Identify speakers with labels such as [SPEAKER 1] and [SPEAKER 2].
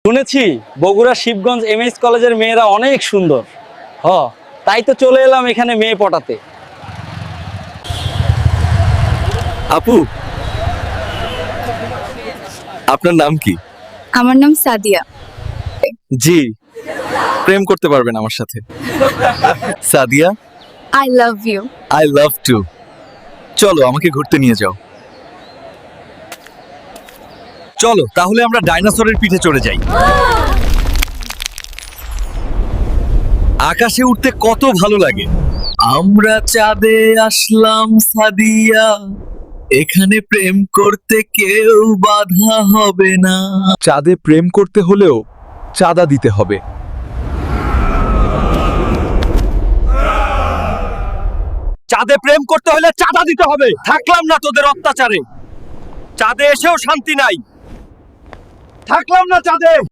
[SPEAKER 1] শুনেছি বগুড়া শিবগঞ্জ এমএস কলেজের মেয়েরা অনেক সুন্দর। তাই তো চলে এলাম এখানে মেয়ে পটাতে।
[SPEAKER 2] আপু, আপনার নাম কি?
[SPEAKER 3] আমার নাম সাদিয়া।
[SPEAKER 2] জি, প্রেম করতে পারবেন আমার সাথে। Sadia,
[SPEAKER 3] I love you.
[SPEAKER 2] I love too. চলো আমাকে ঘুরতে নিয়ে যাও। চলো তাহলে আমরা ডাইনোসরের পিঠে চড়ে যাই। আকাশে উঠতে কত ভালো লাগে। আমরা চাঁদে আসলাম সাদিয়া, এখানে প্রেম করতে কেউ বাধা হবে না।
[SPEAKER 4] চাঁদে প্রেম করতে হলেও চাঁদা দিতে হবে।
[SPEAKER 2] চাঁদে প্রেম করতে হলে চাঁদা দিতে হবে। থাকলাম না তোদের অত্যাচারে। চাঁদে এসেও শান্তি নাই। থাকলাম না চাঁদে।